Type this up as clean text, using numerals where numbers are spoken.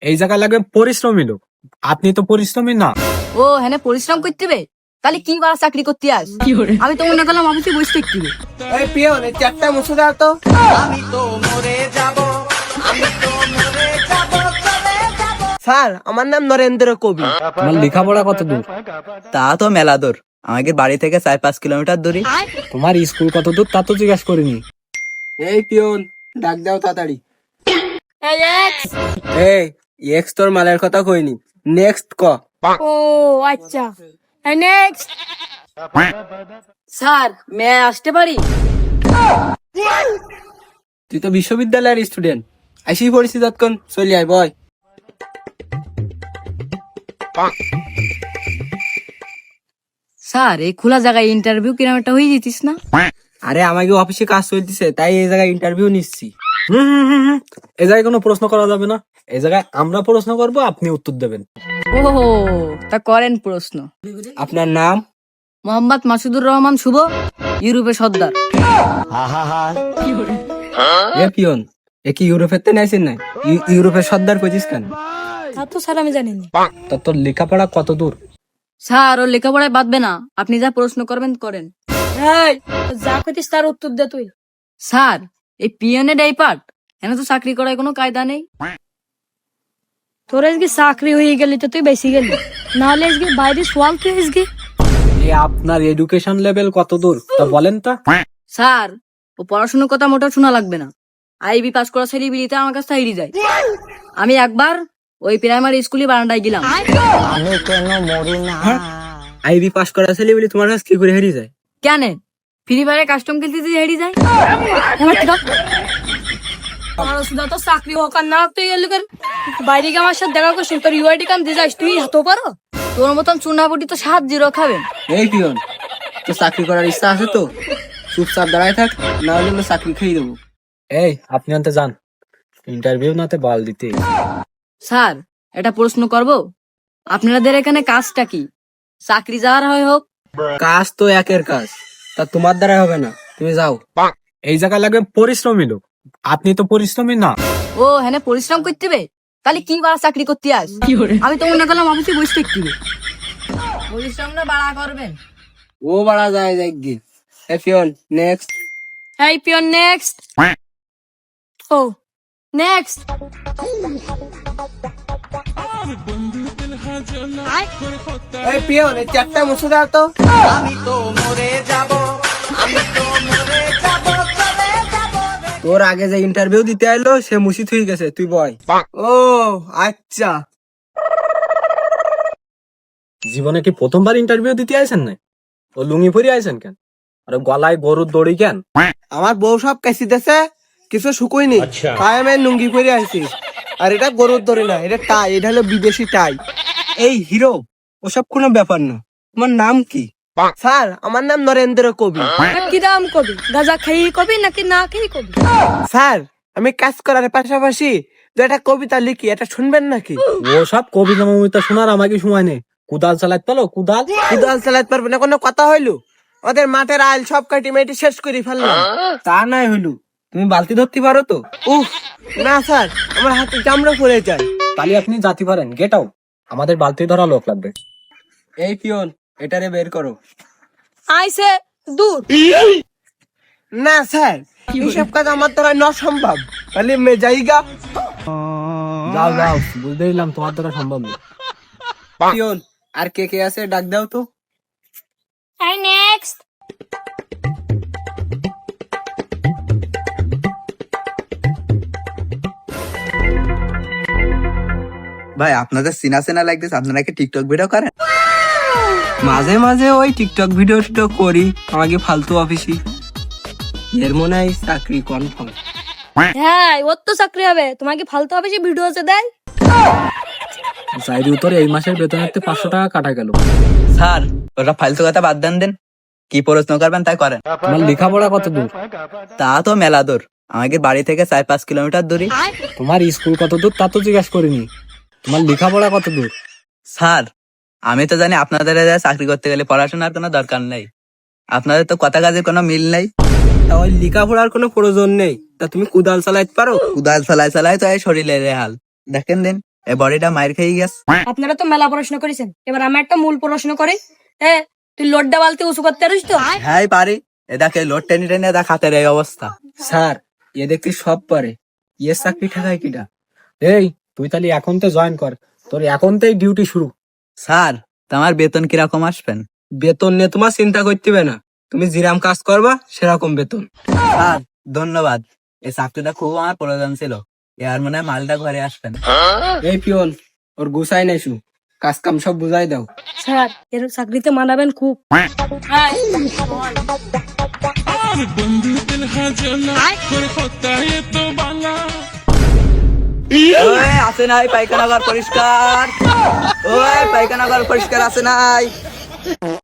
এই জায়গায় লাগবে পরিশ্রমী লোক। আপনি তো পরিশ্রমী না। ও হ্যাঁ পরিশ্রম করতে হবে, তাহলে কি বা চাকরি করতে আস? আমি তো মনে করলাম অফিসে বসে থাকতে হবে। এই পিয়ন, এই চারটা মুছে দাও তো। স্যার, আমার নাম নরেন্দ্র কবি। তোমার লেখাপড়া কত দূর? তা তো মেলা দূর, আমাদের বাড়ি থেকে 4-5 কিলোমিটার দূরে। তোমার স্কুল কত দূর তা তো জিজ্ঞাসা করিনি। এই পিয়ন, ডাক দাও তাড়াতাড়ি। এই এক্স তোর মালের কথা কইনি, নেক্সট ক। ও আচ্ছা, নেক্সট। স্যার মে আসতে পারি? তুই তো বিশ্ববিদ্যালয়ের স্টুডেন্ট, আইসি পড়েছি তৎক্ষণ, চলি আয় বয়। স্যার এই খোলা জায়গায় ইন্টারভিউ কিরম একটা হয়ে যেতিস না? আরে আমাকে অফিসে কাজ চলতেছে, তাই এই জায়গায় ইন্টারভিউ নিচ্ছি। এই জায়গায় কোনো প্রশ্ন করা যাবে না। এই জায়গায় আমরা প্রশ্ন করব, আপনি উত্তর দেবেন। ও তা করেন প্রশ্ন। আপনার নাম? মোহাম্মদ মাসুদুর রহমান শুভ, ইউরোপের সর্দার। এ পিয়ন, এ কি ইউরোপের তে নাইছেন না? ইউরোপের সর্দার কইছিস কেন? তা তো স্যার আমি জানি না। তা তোর লেখাপড়া কত দূর? স্যার ওর লেখাপড়ায় বাঁধবে না, আপনি যা প্রশ্ন করবেন করেন। যা কইতিস তার উত্তর দে তুই। স্যার এই পিয়নের এই পার্ট, এখানে তো চাকরি করার কোনো কায়দা নেই। তোর আজকে চাকরি হয়ে গেলি তো তুই বেশি গেলি, নাহলে আজকে বাইরে সোয়াল তুই আজকে। এই আপনার এডুকেশন লেভেল কত দূর তা বলেন তা। স্যার ও পড়াশোনার কথা মোটেও শোনা লাগবে না। আইবি পাস করা ছেলেবিলিতে আমার কাছে হেরি যায়। আমি একবার ওই প্রাইমারি স্কুলে বারান্দায় গেলাম। আইবি পাস করা ছেলে বলি তোমার কাছে কি করে হেরিয়ে যায়? কেন ফ্রি ফায়ারে কাস্টম খেলতে যে হেরি যায়? সুদা তো চাকরি হোক আর না হোক তুই এলাকার বাইরে গিয়ে আমার সাথে দেখা করছিস, তোর ইউআইডি কাম দিয়ে যাস, তুই হাতও পারো? তোর মতন চুনাপুটি তো 7-0 খাবেন। এই পিয়ন, তো চাকরি করার ইচ্ছা আছে তো চুপচাপ দাঁড়ায় থাক, না হলে আমরা চাকরি খেয়ে দেবো। এই আপনি আনতে যান, ইন্টারভিউ নাতে বাল দিতে। স্যার এটা প্রশ্ন করব, আপনাদের এখানে কাজটা কি? চাকরি যাওয়ার হয় হোক। কাজ তো একের কাজ, তা তোমার দ্বারা হবে না, তুমি যাও। এই জায়গায় লাগবে পরিশ্রমী লোক। আপনি তো পরিশ্রমী না। ও হ্যাঁ পরিশ্রম করতে হবে, তাহলে কি বা চাকরি করতে আস? আমি তো মনে করলাম অফিসে বসে থাকতে হবে। পরিশ্রম না বাড়া করবেন। ও বাড়া যায় যাই গিয়ে। এই পিয়ন, নেক্সট। এই পিয়ন নেক্সট। ও নেক্সট। এই পিয়ন, এই চারটা মুছে দাও তো। তোর আগে যে ইন্টারভিউ দিতে আইলো সে মুছি থুই গেছে, তুই বয়। ও আচ্ছা। জীবনে কি প্রথমবার ইন্টারভিউ দিতে আইছেন না? ও লুঙ্গি পরে আইছেন কেন? আর গলায় গরুর দড়ি কেন? আমার বউ সব কাশি দেছে, কিছু শুকুইনি, তাই আমি লুঙ্গি পরে আইছি। আর এটা গরুর দড়ি না, এটা টাই, এটা হলো বিদেশি টাই। এই হিরো, ওসব কোনো ব্যাপার না। তোমার নাম কি? স্যার আমার নাম নরেন্দ্র কবি। কি দাম কবি? গাঁজা খেয়ে কবি নাকি না খেয়ে কবি? স্যার আমি কাজ করার পাশাপাশি দু একটা কবিতা লিখি, এটা শুনবেন নাকি? ও সব কবিতা মমিতা শোনার আমাকে সময় নেই। কুদাল চালাতে পারো? কুদাল কুদাল চালাতে পারবে না কোনো কথা হইলো? ওদের মাঠের আইল সব কাটি মেটি শেষ করে ফেললাম। তা নাই হইলো, তুমি বালতি ধরতে পারো তো? উফ না স্যার, আমার হাতে চামড়া পড়ে যায়। তাহলে আপনি জাতি পারেন, গেট আউট। আমাদের বালতি ধরা লোক লাগবে। এই পিয়ন, এটারে বের করো। আইসে দূর। না স্যার, এইসব কাজ আমার দ্বারা না সম্ভব। তাহলে মে যাইগা। যাও যাও, বুঝতে দিলাম তোমার দ্বারা সম্ভব না। পিয়ন, আর কে কে আছে ডাক দাও তো। এই নেক্সট। ভাই আপনাদের সিনা সিনা লাগতেছে, আপনারা কি টিকটক ভিডিও করেন? মাঝে মাঝে ওই টিকটক ভিডিও টিডিও করি, আমাকে ফালতু অফিসি। এর মনে হয় চাকরি কনফার্ম। হ্যাঁ ওর তো চাকরি হবে, তোমাকে ফালতু হবে সে ভিডিও আছে দেয়। চাইরি উত্তরে এই মাসের বেতনের 500 টাকা কাটা গেল। স্যার ওটা ফালতু কথা বাদ দেন, কি প্রশ্ন করবেন তাই করেন। তোমার লেখাপড়া কত দূর? তা তো মেলা দূর, আমাদের বাড়ি থেকে 4-5 কিলোমিটার দূরে। তোমার স্কুল কত দূর তা তো জিজ্ঞাসা করিনি। তোমার লেখাপড়া কত দূর? স্যার আমি তো জানি আপনাদের চাকরি করতে গেলে পড়াশোনার কোনো দরকার নেই, আপনাদের তো কথা কাজের কোনো মিল নেই। তা ওই লেখাপড়ার কোনো প্রয়োজন নেই, তা তুমি কুদাল চালাইতে পারো? কুদাল চালাই চালাই তো এই শরীরের হাল দেখেন দিন। এই বডিটা মাইর খেয়ে গেছে। আপনারা তো মেলা পড়াশোনা করেছেন, এবার আমি একটা মূল প্রশ্ন করি। তুই লোডটা বালতি উঁচু করতে পারিস তো? হ্যাঁ পারি। এদাকে লোড টেনে টেনে দা খাতের এই অবস্থা। স্যার এ দেখতে সব পারে, ইয়ে চাকরি ঠেকায় কিটা? এই তুই তাহলে এখন তো জয়েন কর, তোর এখন থেই ডিউটি শুরু। স্যার তোমার বেতন কিরকম আসবেন? বেতন নিয়ে তোমার চিন্তা করতে হবে না, তুমি যেরাম কাজ করবা সেরকম বেতন। স্যার ধন্যবাদ, এই চাকরিটা খুব আমার প্রয়োজন ছিল। এর মনে হয় মালটা ঘরে আসবেন। এই পিয়ন, ওর গুছাই নাইছু, কাজ কাম সব বুঝাই দাও। স্যার এর চাকরিতে মানাবেন খুব। ওই আছে নাই পায়খানা ঘর পরিষ্কার? ওই পায়খানা ঘর পরিষ্কার আছে নাই?